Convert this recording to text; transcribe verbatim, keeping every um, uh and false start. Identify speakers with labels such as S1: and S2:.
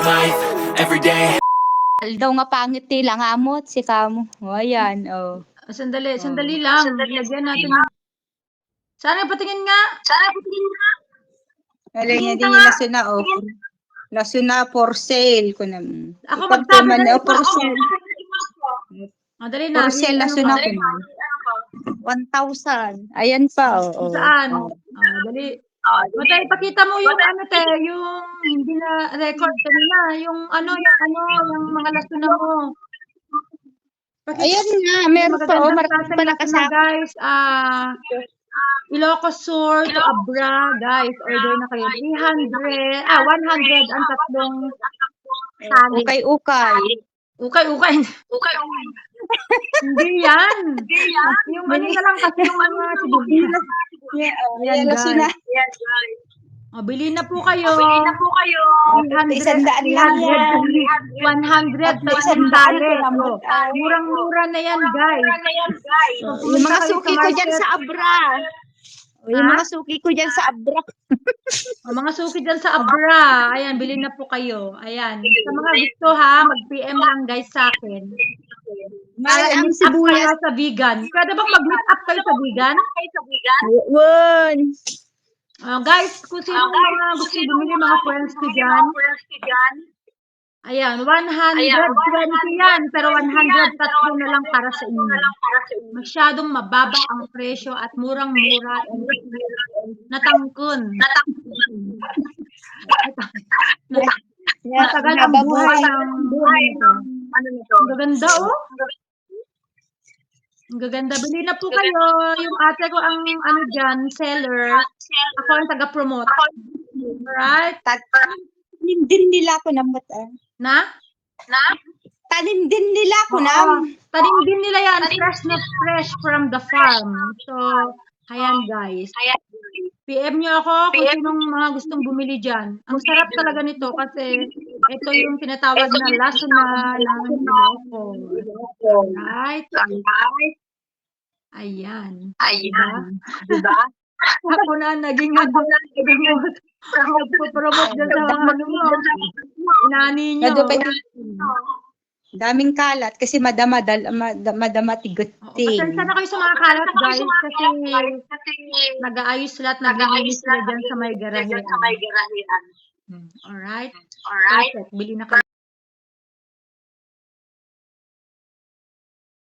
S1: life every day.
S2: Daw nga pangit nila nga amot si kamo. O, ayan, oh.
S3: Sandali,
S2: Oh.
S3: sandali lang. Lagyan natin ng... Sana patingin nga. Sana patingin nga.
S2: Alam niya
S3: Tingin
S2: din
S3: ka
S2: yung
S3: nga.
S2: laso na, oh. Laso na for sale ko na.
S3: Ako
S2: Ipag
S3: magsabi
S2: man,
S3: na
S2: oh, for sale.
S3: Ah, dali na.
S2: For sale,
S3: i-
S2: laso
S3: ano
S2: na
S3: pa?
S2: ko na. one thousand. Ayan pa, oh. oh.
S3: Saan?
S2: Oh.
S3: Ah, dali. Matay, pakita mo yung ano te, yung hindi na record kanina, yung ano, yung ano, yung mga lasuna mo. Pakita
S2: Ayan nga,
S3: yung
S2: meron pa, oh.
S3: magagandang
S2: Marami
S3: klaseng
S2: pa
S3: lasuna,
S2: nakasama.
S3: guys. Ah, Ilocos Sur to Abra, guys. Order na kayo. three hundred, ah, one hundred ang tatlong tali.
S2: Ukay-ukay.
S3: Ukay, ukay. Ukay, ukay. Hindi yan. Hindi yan. Yung ano na lang kasi yung mga sibuyas.
S2: Yeah, oh,
S3: Ayan,
S2: ayan, laso na.
S3: guys. O, bili na po kayo.
S4: Bili na po kayo.
S3: three hundred,
S2: Isang daan lang yan.
S3: one hundred,
S2: Tatlo,
S3: tatlong
S2: isang daan
S3: tali.
S2: ko naman.
S3: O, Murang-mura na yan, guys.
S4: Ano yan, guys?
S3: So,
S2: Yung mga
S3: pumunta kayo
S2: suki
S3: sa
S2: ko dyan
S3: market.
S2: sa Abra. O, yung
S3: Ha?
S2: mga suki ko dyan sa Abra.
S3: O, mga suki dyan sa Abra. Ayan, bili na po kayo. Ayan. Sa mga gusto ha, mag-P M lang guys sa akin.
S2: Mahal
S3: Para
S2: ang
S3: i-meet up kayo
S2: sibuyas.
S3: sa vegan. Pwede bang mag-meet up kayo sa vegan?
S4: Kayo sa bigan?
S2: One.
S3: Uh, guys, kung sino
S4: Ah, guys,
S3: mga
S4: kung
S3: gusto
S4: sino
S3: bumili
S4: mga
S3: mga friends ko
S4: bumili
S3: dyan,
S4: mga friends ko dyan,
S3: ayan, one hundred twenty yan, pero one hundred tatlo na lang para sa inyo.
S4: na lang para sa inyo.
S3: Masyadong mababa ang presyo at murang-mura and natangkun.
S2: Yeah,
S3: Matagal ang buhay ng buhay nito.
S4: Ano nito?
S3: Ang gaganda, oh. Ang gaganda. Bili na po kayo. Yung ate ko ang ano dyan, seller. Ako ang taga-promote. Alright?
S2: Tanim din nila ako ng mata.
S3: Na?
S4: Na?
S2: Tanim din nila ako na.
S3: Oo. Tanim din nila yan. Fresh na fresh from the farm. So, ayan guys.
S4: Ayan.
S3: P M nyo ako kung sinong mga gustong bumili dyan. Ang sarap talaga nito kasi ito yung tinatawag na laso na ng Ilocos. Right? Ayan.
S4: Ayan. Diba?
S3: Ako na naging ano, promote. Nagpo-promote dyan sa mga ano mo. Inani nyo.
S2: Nadupay daming kalat kasi madama dal madama, madama
S3: Oo,
S2: tiguting.
S3: pasensya na kayo sa mga kalat guys kasi
S4: Kasi
S3: nag-aayos sila at
S4: nag-aayos
S3: naglilinis sila
S4: sila
S3: dyan sa may
S4: dyan
S3: garahean.
S4: sa may garahean.
S3: Alright?
S4: Alright?
S3: Perfect. Bili na kayo.